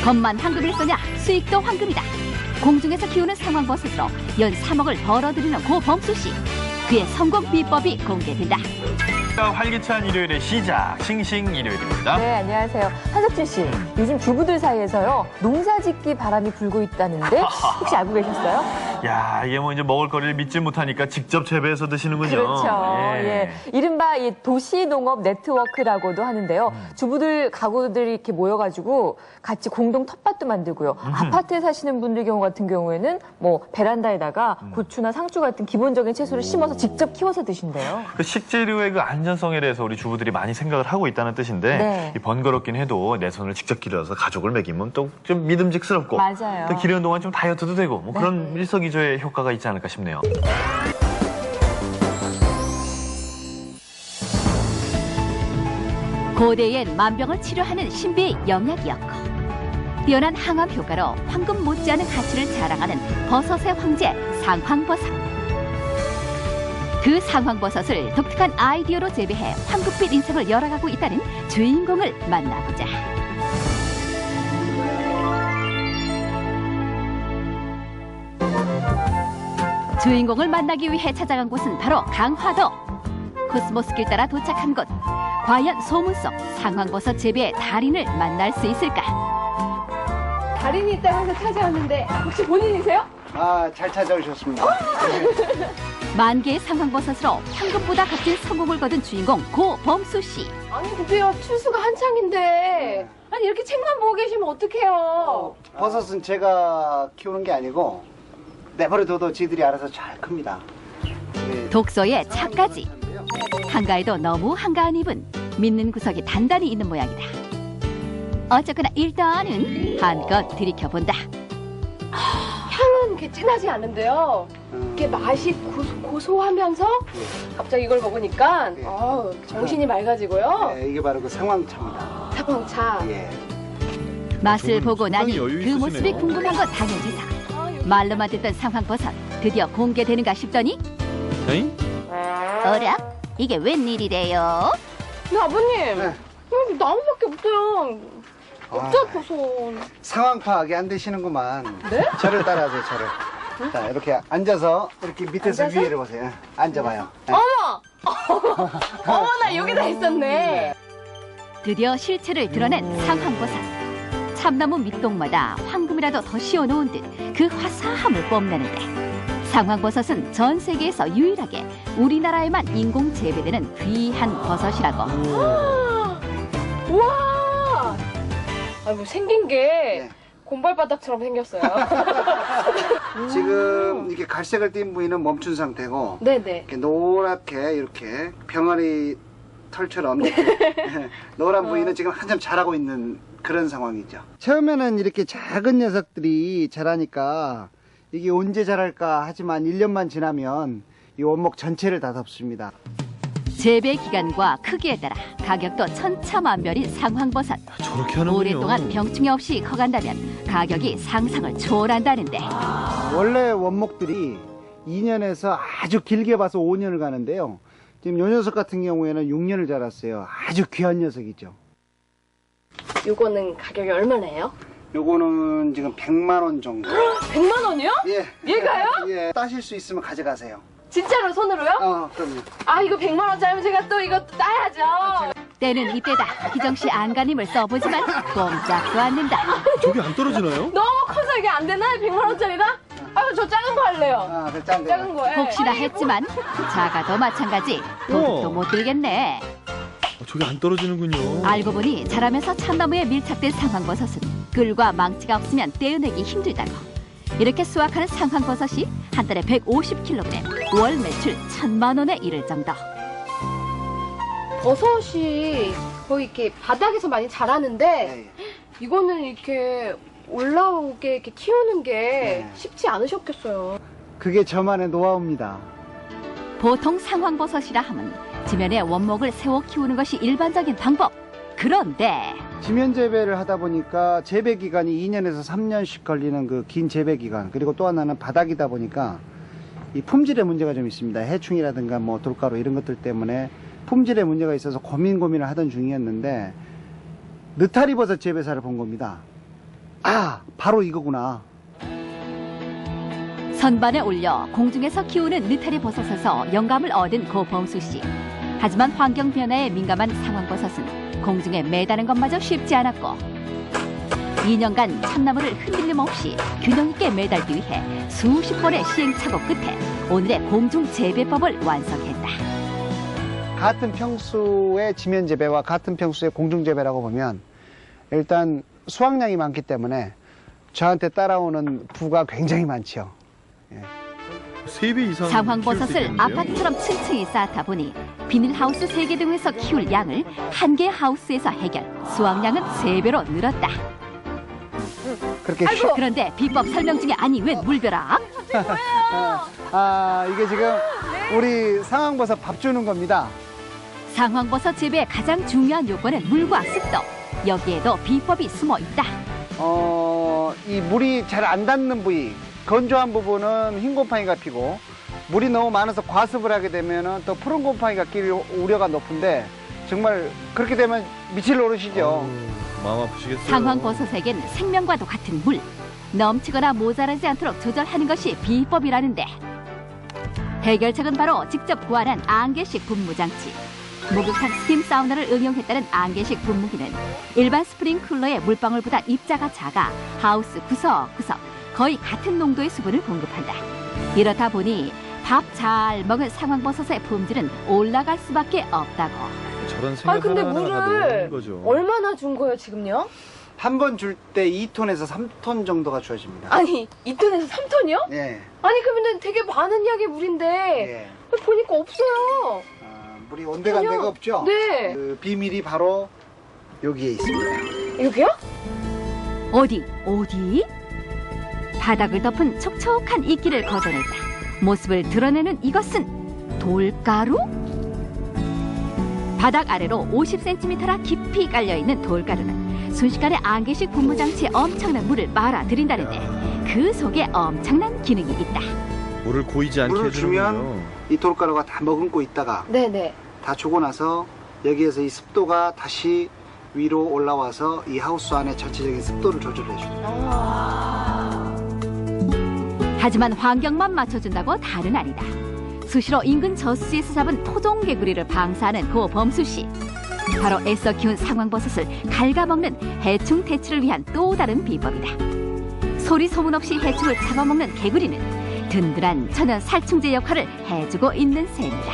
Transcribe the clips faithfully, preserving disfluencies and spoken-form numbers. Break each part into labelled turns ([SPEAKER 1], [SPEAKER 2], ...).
[SPEAKER 1] 겉만 황금을 쏘냐 수익도 황금이다. 공중에서 키우는 상황버섯으로 연 삼억을 벌어들이는 고범수 씨. 그의 성공 비법이 공개된다.
[SPEAKER 2] 활기찬 일요일의 시작, 싱싱 일요일입니다.
[SPEAKER 3] 네, 안녕하세요. 한석준 씨, 요즘 주부들 사이에서요, 농사짓기 바람이 불고 있다는데 혹시 알고 계셨어요?
[SPEAKER 2] 야, 이게 뭐 이제 먹을 거리를 믿지 못하니까 직접 재배해서 드시는군요.
[SPEAKER 3] 그렇죠.
[SPEAKER 2] 예.
[SPEAKER 3] 예. 이른바 이 도시농업 네트워크라고도 하는데요. 음. 주부들, 가구들이 이렇게 모여가지고 같이 공동 텃밭도 만들고요. 음. 아파트에 사시는 분들 경우 같은 경우에는 뭐 베란다에다가 음. 고추나 상추 같은 기본적인 채소를 오. 심어서 직접 키워서 드신대요.
[SPEAKER 2] 그 식재료의 그 안전성에 대해서 우리 주부들이 많이 생각을 하고 있다는 뜻인데
[SPEAKER 3] 네.
[SPEAKER 2] 이 번거롭긴 해도 내 손을 직접 기르어서 가족을 먹이면 또 좀 믿음직스럽고
[SPEAKER 3] 맞아요.
[SPEAKER 2] 또 기르는 동안 좀 다이어트도 되고 뭐
[SPEAKER 3] 네.
[SPEAKER 2] 그런 일석이조의 효과가 있지 않을까 싶네요.
[SPEAKER 1] 고대엔 만병을 치료하는 신비의 영약이었고 뛰어난 항암 효과로 황금 못지않은 가치를 자랑하는 버섯의 황제 상황버섯. 그 상황버섯을 독특한 아이디어로 재배해 황금빛 인생을 열어가고 있다는 주인공을 만나보자. 주인공을 만나기 위해 찾아간 곳은 바로 강화도. 코스모스길 따라 도착한 곳. 과연 소문 속 상황버섯 재배의 달인을 만날 수 있을까?
[SPEAKER 4] 달인이 있다고 해서 찾아왔는데 혹시 본인이세요?
[SPEAKER 5] 아, 잘 찾아오셨습니다.
[SPEAKER 1] 만 개의 상황버섯으로 황금보다 값진 성공을 거둔 주인공 고범수 씨.
[SPEAKER 4] 아니 근데요, 출수가 한창인데 아니 이렇게 책만 보고 계시면 어떡해요?
[SPEAKER 5] 버섯은 제가 키우는 게 아니고 내버려둬도 지들이 알아서 잘 큽니다. 예.
[SPEAKER 1] 독서에 차까지. 한가해도 너무 한가한 입은 믿는 구석이 단단히 있는 모양이다. 어쨌거나 일단은 한껏 들이켜본다.
[SPEAKER 4] 향은 이렇게 진하지 않은데요. 이게 맛이 고소, 고소하면서 갑자기 이걸 먹으니까
[SPEAKER 5] 예.
[SPEAKER 4] 어, 정신이 맑아지고요.
[SPEAKER 5] 네, 이게 바로 그 상황차입니다.
[SPEAKER 4] 사방차.
[SPEAKER 5] 예.
[SPEAKER 1] 맛을 보고 나니
[SPEAKER 2] 상당히 여유
[SPEAKER 1] 그 모습이
[SPEAKER 2] 있으시네요.
[SPEAKER 1] 궁금한 건 당연지사. 말로만 듣던 상황버섯 드디어 공개되는가 싶더니
[SPEAKER 2] 에이?
[SPEAKER 1] 어라? 이게 웬일이래요?
[SPEAKER 4] 근데 아버님,
[SPEAKER 5] 네.
[SPEAKER 4] 여기 나무밖에 없어요. 없죠,
[SPEAKER 5] 아,
[SPEAKER 4] 버섯.
[SPEAKER 5] 상황 파악이 안 되시는구만.
[SPEAKER 4] 네?
[SPEAKER 5] 저를 따라하세요, 저를. 자, 이렇게 앉아서 이렇게 밑에서
[SPEAKER 4] 앉아서?
[SPEAKER 5] 위를 보세요. 앉아봐요. 네.
[SPEAKER 4] 어머! 어머나, 여기다 있었네.
[SPEAKER 1] 드디어 실체를 드러낸 상황버섯. 참나무 밑동마다 황금이라도 더 씌워놓은 듯 그 화사함을 뽐내는데 상황버섯은 전 세계에서 유일하게 우리나라에만 인공 재배되는 귀한 버섯이라고.
[SPEAKER 4] 우와! 아, 뭐 생긴 게
[SPEAKER 5] 네.
[SPEAKER 4] 곰발바닥처럼 생겼어요.
[SPEAKER 5] 지금 이렇게 갈색을 띤 부위는 멈춘 상태고
[SPEAKER 4] 네네.
[SPEAKER 5] 이렇게 노랗게 이렇게 병아리 털처럼 이렇게 노란 부위는 지금 한참 자라고 있는 그런 상황이죠. 처음에는 이렇게 작은 녀석들이 자라니까 이게 언제 자랄까 하지만 일 년만 지나면 이 원목 전체를 다 덮습니다.
[SPEAKER 1] 재배 기간과 크기에 따라 가격도 천차만별인 상황버섯.
[SPEAKER 2] 저렇게 하는군요.
[SPEAKER 1] 오랫동안 병충해 없이 커간다면 가격이 상상을 초월한다는데.
[SPEAKER 5] 원래 원목들이 이 년에서 아주 길게 봐서 오 년을 가는데요. 지금 요 녀석 같은 경우에는 육 년을 자랐어요. 아주 귀한 녀석이죠.
[SPEAKER 4] 요거는 가격이 얼마나요?
[SPEAKER 5] 요거는 지금 백만 원 정도.
[SPEAKER 4] 백만 원이요?
[SPEAKER 5] 예.
[SPEAKER 4] 얘가요?
[SPEAKER 5] 예. 따실 수 있으면 가져가세요.
[SPEAKER 4] 진짜로 손으로요?
[SPEAKER 5] 어, 그럼요.
[SPEAKER 4] 아, 이거 백만 원짜리면 제가 또 이거 따야죠.
[SPEAKER 1] 때는 이때다. 희정씨 안간힘을 써보지만 꼼짝도 않는다.
[SPEAKER 2] 저게 안 떨어지나요?
[SPEAKER 4] 너무 커서 이게 안 되나? 백만 원짜리다? 아유, 저 작은 거 할래요.
[SPEAKER 5] 아, 그 짠 거.
[SPEAKER 4] 작은 거에.
[SPEAKER 1] 혹시나 했지만 작아도 마찬가지. 도둑도
[SPEAKER 2] 우와.
[SPEAKER 1] 못 들겠네.
[SPEAKER 2] 저게 안 떨어지는군요.
[SPEAKER 1] 알고 보니 자라면서 참나무에 밀착된 상황버섯은 끌과 망치가 없으면 떼어내기 힘들다고. 이렇게 수확하는 상황버섯이 한 달에 백오십 킬로그램, 월 매출 천만 원에 이를 정도.
[SPEAKER 4] 버섯이 거의 이렇게 바닥에서 많이 자라는데
[SPEAKER 5] 예, 예.
[SPEAKER 4] 이거는 이렇게 올라오게 이렇게 키우는 게
[SPEAKER 5] 네.
[SPEAKER 4] 쉽지 않으셨겠어요.
[SPEAKER 5] 그게 저만의 노하우입니다.
[SPEAKER 1] 보통 상황버섯이라 하면 지면에 원목을 세워 키우는 것이 일반적인 방법. 그런데
[SPEAKER 5] 지면 재배를 하다 보니까 재배 기간이 이 년에서 삼 년씩 걸리는 그 긴 재배 기간, 그리고 또 하나는 바닥이다 보니까 이 품질에 문제가 좀 있습니다. 해충이라든가 뭐 돌가루 이런 것들 때문에 품질에 문제가 있어서 고민 고민을 하던 중이었는데 느타리 버섯 재배사를 본 겁니다. 아, 바로 이거구나.
[SPEAKER 1] 선반에 올려 공중에서 키우는 느타리 버섯에서 영감을 얻은 고 범수 씨. 하지만 환경 변화에 민감한 상황버섯은 공중에 매다는 것마저 쉽지 않았고 이 년간 참나무를 흔들림 없이 균형 있게 매달기 위해 수십 번의 시행착오 끝에 오늘의 공중 재배법을 완성했다.
[SPEAKER 5] 같은 평수의 지면 재배와 같은 평수의 공중 재배라고 보면 일단 수확량이 많기 때문에 저한테 따라오는 부가 굉장히 많죠. 예.
[SPEAKER 2] 세 배 이상
[SPEAKER 1] 상황버섯을 아파트처럼 층층이 쌓다 보니 비닐하우스 세 개 등에서 키울 양을 한 개 하우스에서 해결, 수확량은 세 배로 늘었다.
[SPEAKER 5] 그렇게 쉬...
[SPEAKER 1] 그런데 비법 설명 중에 아니 웬 물벼락?
[SPEAKER 5] 아, 이게 지금 우리 상황버섯 밥 주는 겁니다.
[SPEAKER 1] 상황버섯 재배의 가장 중요한 요건은 물과 습도. 여기에도 비법이 숨어 있다.
[SPEAKER 5] 어, 이 물이 잘 안 닿는 부위, 건조한 부분은 흰 곰팡이가 피고 물이 너무 많아서 과습을 하게 되면 또 푸른 곰팡이가 낄 우려가 높은데 정말 그렇게 되면 미칠 노릇이죠.
[SPEAKER 2] 어우, 마음 아프시겠어요.
[SPEAKER 1] 상황버섯에겐 생명과도 같은 물. 넘치거나 모자라지 않도록 조절하는 것이 비법이라는데 해결책은 바로 직접 구한한 안개식 분무장치. 목욕탕 스팀 사우나를 응용했다는 안개식 분무기는 일반 스프링클러의 물방울보다 입자가 작아 하우스 구석구석 거의 같은 농도의 수분을 공급한다. 이렇다 보니 밥 잘 먹은 상황버섯의 품질은 올라갈 수밖에 없다고.
[SPEAKER 2] 저런 생각
[SPEAKER 4] 아니 근데
[SPEAKER 2] 하나하나가
[SPEAKER 4] 물을
[SPEAKER 2] 너무 거죠.
[SPEAKER 4] 얼마나 준 거예요 지금요?
[SPEAKER 5] 한 번 줄 때 이 톤에서 삼 톤 정도가 주어집니다.
[SPEAKER 4] 아니 이 톤에서 삼 톤이요?
[SPEAKER 5] 예.
[SPEAKER 4] 아니 그러면 되게 많은 양의 물인데
[SPEAKER 5] 예.
[SPEAKER 4] 보니까 없어요.
[SPEAKER 5] 아, 물이 온데간데가
[SPEAKER 4] 전혀.
[SPEAKER 5] 없죠?
[SPEAKER 4] 네.
[SPEAKER 5] 그 비밀이 바로 여기에 있습니다.
[SPEAKER 4] 여기요?
[SPEAKER 1] 어디 어디? 바닥을 덮은 촉촉한 이끼를 걷어내자 모습을 드러내는 이것은 돌가루? 바닥 아래로 오십 센티미터나 깊이 깔려있는 돌가루는 순식간에 안개식 분무장치에 엄청난 물을 말아들인다는데 그 속에 엄청난 기능이 있다.
[SPEAKER 2] 물을 고이지 않게
[SPEAKER 5] 물을
[SPEAKER 2] 해주는군요.
[SPEAKER 5] 주면 이 돌가루가 다 머금고 있다가
[SPEAKER 4] 네네.
[SPEAKER 5] 다 주고 나서 여기에서 이 습도가 다시 위로 올라와서 이 하우스 안에 전체적인 습도를 조절해 줍니다.
[SPEAKER 1] 하지만 환경만 맞춰준다고 다는 아니다. 수시로 인근 저수지에서 잡은 토종개구리를 방사하는 고 범수 씨. 바로 애써 키운 상황버섯을 갉아먹는 해충 퇴치를 위한 또 다른 비법이다. 소리 소문 없이 해충을 잡아먹는 개구리는 든든한 천연 살충제 역할을 해주고 있는 셈이다.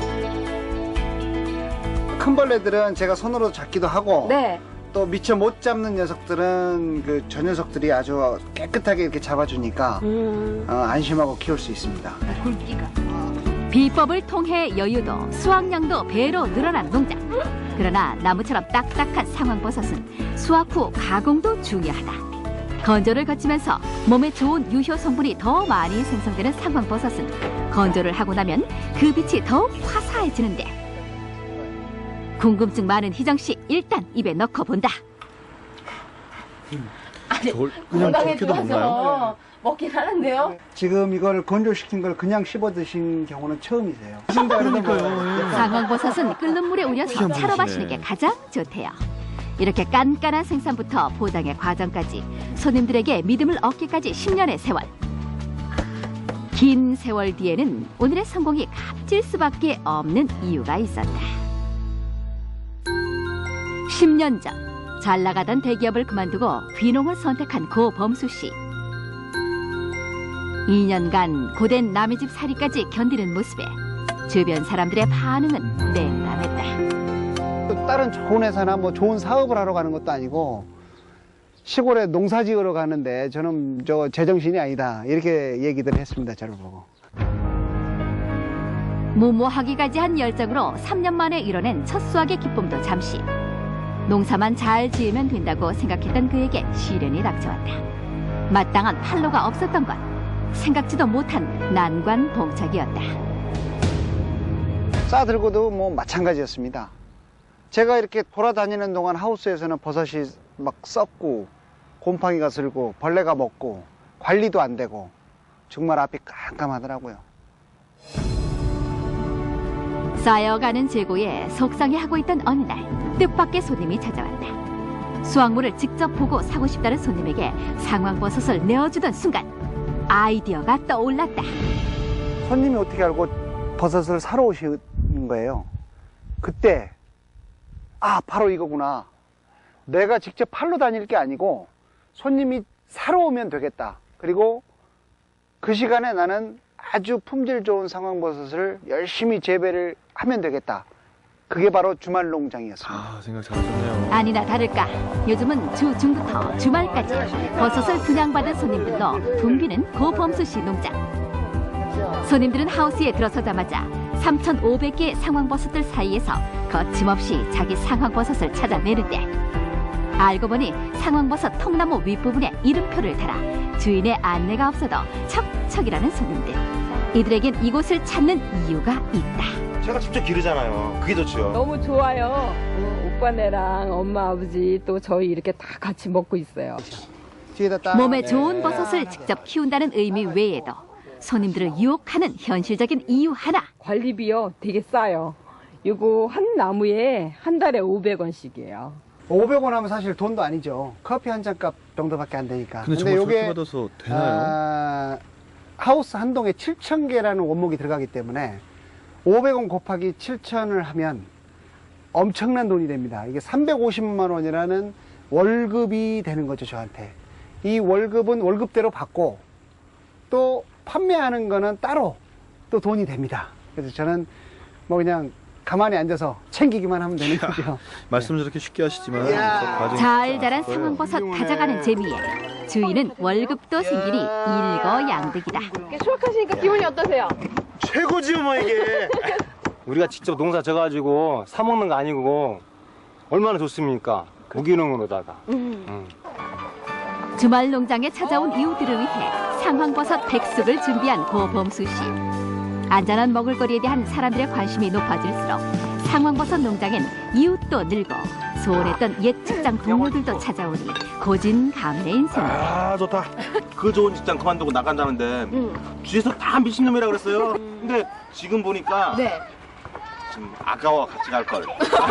[SPEAKER 5] 큰 벌레들은 제가 손으로 잡기도 하고
[SPEAKER 4] 네.
[SPEAKER 5] 또 미처 못 잡는 녀석들은 그 저 녀석들이 아주 깨끗하게 이렇게 잡아주니까
[SPEAKER 4] 음.
[SPEAKER 5] 어, 안심하고 키울 수 있습니다.
[SPEAKER 1] 굵기가. 비법을 통해 여유도 수확량도 배로 늘어난 농장. 그러나 나무처럼 딱딱한 상황버섯은 수확 후 가공도 중요하다. 건조를 거치면서 몸에 좋은 유효 성분이 더 많이 생성되는 상황버섯은 건조를 하고 나면 그 빛이 더욱 화사해지는데 궁금증 많은 희정 씨 일단 입에 넣고 본다.
[SPEAKER 2] 저걸 그냥
[SPEAKER 4] 건강에
[SPEAKER 2] 저렇게도 먹나요?
[SPEAKER 4] 좋아서 먹긴 하는데요.
[SPEAKER 5] 지금 이걸 건조시킨 걸 그냥 씹어 드신 경우는 처음이세요. 그러니까요.
[SPEAKER 1] 상황버섯은 끓는 물에 우려서
[SPEAKER 2] 희한하시네.
[SPEAKER 1] 차로 마시는 게 가장 좋대요. 이렇게 깐깐한 생산부터 포장의 과정까지 손님들에게 믿음을 얻기까지 십 년의 세월. 긴 세월 뒤에는 오늘의 성공이 값질 수밖에 없는 이유가 있었다. 십 년 전 잘 나가던 대기업을 그만두고 귀농을 선택한 고 범수 씨. 이 년간 고된 남의 집 살이까지 견디는 모습에 주변 사람들의 반응은 냉담했다.
[SPEAKER 5] 다른 좋은 회사나 뭐 좋은 사업을 하러 가는 것도 아니고 시골에 농사 지으러 가는데 저는 저 제정신이 아니다 이렇게 얘기들 했습니다. 저를 보고.
[SPEAKER 1] 무모하기까지 한 열정으로 삼 년 만에 이뤄낸 첫 수확의 기쁨도 잠시. 농사만 잘 지으면 된다고 생각했던 그에게 시련이 닥쳐왔다. 마땅한 판로가 없었던 것. 생각지도 못한 난관봉착이었다.
[SPEAKER 5] 싸들고도 뭐 마찬가지였습니다. 제가 이렇게 돌아다니는 동안 하우스에서는 버섯이 막 썩고 곰팡이가 슬고 벌레가 먹고 관리도 안 되고 정말 앞이 깜깜하더라고요.
[SPEAKER 1] 쌓여가는 재고에 속상해하고 있던 어느 날 뜻밖의 손님이 찾아왔다. 수확물을 직접 보고 사고 싶다는 손님에게 상황버섯을 내어주던 순간 아이디어가 떠올랐다.
[SPEAKER 5] 손님이 어떻게 알고 버섯을 사러 오시는 거예요. 그때 아 바로 이거구나. 내가 직접 팔러 다닐 게 아니고 손님이 사러 오면 되겠다. 그리고 그 시간에 나는 아주 품질 좋은 상황버섯을 열심히 재배를 하면 되겠다. 그게 바로 주말 농장이었습니다.
[SPEAKER 2] 아, 생각 잘하셨네요.
[SPEAKER 1] 아니나 다를까 요즘은 주 중부터 주말까지 버섯을 분양받은 손님들로 붐비는 고범수 씨 농장. 손님들은 하우스에 들어서자마자 삼천오백 개의 상황버섯들 사이에서 거침없이 자기 상황버섯을 찾아내는데 알고 보니 상황버섯 통나무 윗부분에 이름표를 달아 주인의 안내가 없어도 척척이라는 손님들. 이들에겐 이곳을 찾는 이유가 있다.
[SPEAKER 6] 제가 직접 기르잖아요. 그게 좋죠.
[SPEAKER 7] 너무 좋아요. 어, 오빠네랑 엄마, 아버지 또 저희 이렇게 다 같이 먹고 있어요.
[SPEAKER 5] 뒤에다 딱
[SPEAKER 1] 몸에 좋은 버섯을 직접 키운다는 의미 외에도 손님들을 유혹하는 현실적인 이유 하나.
[SPEAKER 7] 관리비요 되게 싸요. 이거 한 나무에 한 달에 오백 원씩이에요.
[SPEAKER 5] 오백 원 하면 사실 돈도 아니죠. 커피 한 잔 값 정도밖에 안 되니까.
[SPEAKER 2] 근데 정말 저렇게 받아서 되나요?
[SPEAKER 5] 아, 하우스 한 동에 칠천 개라는 원목이 들어가기 때문에 오백 원 곱하기 칠천을 하면 엄청난 돈이 됩니다. 이게 삼백오십만 원이라는 월급이 되는 거죠, 저한테. 이 월급은 월급대로 받고 또 판매하는 거는 따로 또 돈이 됩니다. 그래서 저는 뭐 그냥 가만히 앉아서 챙기기만 하면 되는 거죠.
[SPEAKER 2] 말씀 저렇게 쉽게 하시지만 저 과정이
[SPEAKER 1] 잘
[SPEAKER 2] 쉽지
[SPEAKER 1] 자란
[SPEAKER 2] 않을 거예요.
[SPEAKER 1] 상황버섯 가져가는 재미에 주인은 월급도 생기니 일거양득이다.
[SPEAKER 4] 이렇게 수확하시니까 기분이 어떠세요?
[SPEAKER 6] 최고지요, 뭐 이게.
[SPEAKER 8] 우리가 직접 농사 져가지고 사 먹는 거 아니고 얼마나 좋습니까? 무기농으로다가. 음.
[SPEAKER 1] 주말 농장에 찾아온 이웃들을 위해 상황버섯 백숙을 준비한 고범수 씨. 안전한 먹을거리에 대한 사람들의 관심이 높아질수록 상황버섯 농장엔 이웃도 늘고 소원했던 옛 직장 동료들도 찾아오니 고진감래인 인생이다.
[SPEAKER 6] 아, 좋다. 그 좋은 직장 그만두고 나간다는데 뒤에서 다 미친놈이라 그랬어요. 근데 지금 보니까
[SPEAKER 4] 네.
[SPEAKER 6] 좀 아까워 같이 갈 걸.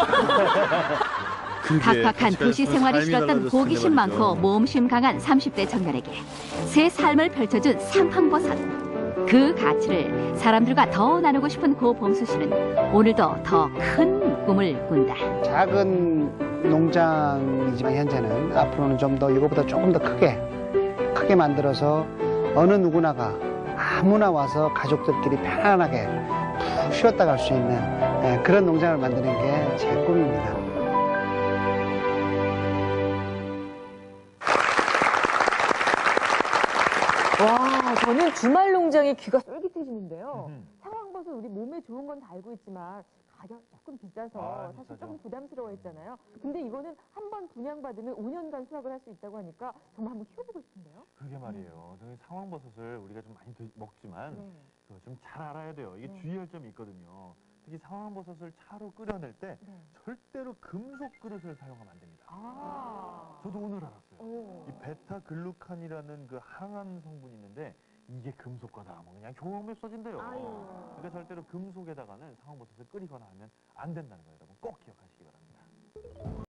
[SPEAKER 2] 그게
[SPEAKER 1] 팍팍한
[SPEAKER 2] 같이
[SPEAKER 1] 도시
[SPEAKER 2] 가서
[SPEAKER 1] 생활이
[SPEAKER 2] 삶이
[SPEAKER 1] 싫었던
[SPEAKER 2] 달라졌을
[SPEAKER 1] 호기심
[SPEAKER 2] 텐데 말이죠.
[SPEAKER 1] 많고 모험심 강한 삼십 대 청년에게 새 삶을 펼쳐준 상황버섯. 그 가치를 사람들과 더 나누고 싶은 고범수 씨는 오늘도 더 큰 꿈을 꾼다.
[SPEAKER 5] 작은 농장이지만 현재는 앞으로는 좀 더 이거보다 조금 더 크게 크게 만들어서 어느 누구나가 아무나 와서 가족들끼리 편안하게 푹 쉬었다 갈 수 있는 예, 그런 농장을 만드는 게 제 꿈입니다.
[SPEAKER 3] 와, 저는 주말 농장에 귀가 쫄깃해지는데요. 상황버섯 우리 몸에 좋은 건 다 알고 있지만 가격 조금 비싸서
[SPEAKER 2] 아,
[SPEAKER 3] 사실
[SPEAKER 2] 비싸죠.
[SPEAKER 3] 조금 부담스러워했잖아요. 근데 이거는 한 번 분양받으면 오 년간 수확을 할 수 있다고 하니까 정말 한번 키워보고 싶은데요.
[SPEAKER 2] 그게 말이에요. 저희 상황버섯을 우리가 좀 많이 드- 먹지만
[SPEAKER 3] 네.
[SPEAKER 2] 좀 잘 알아야 돼요. 이게
[SPEAKER 3] 네.
[SPEAKER 2] 주의할 점이 있거든요. 특히 상황버섯을 차로 끓여낼 때
[SPEAKER 3] 네.
[SPEAKER 2] 절대로 금속 그릇을 사용하면 안 됩니다.
[SPEAKER 3] 아.
[SPEAKER 2] 저도 오늘 알았어요.
[SPEAKER 3] 오.
[SPEAKER 2] 이 베타글루칸이라는 그 항암 성분이 있는데 이게 금속과다 하면 그냥 교험에 써진대요.
[SPEAKER 3] 아유.
[SPEAKER 2] 그러니까 절대로 금속에다가는 상황버섯을 끓이거나 하면 안 된다는 거 여러분 꼭 기억하시기 바랍니다.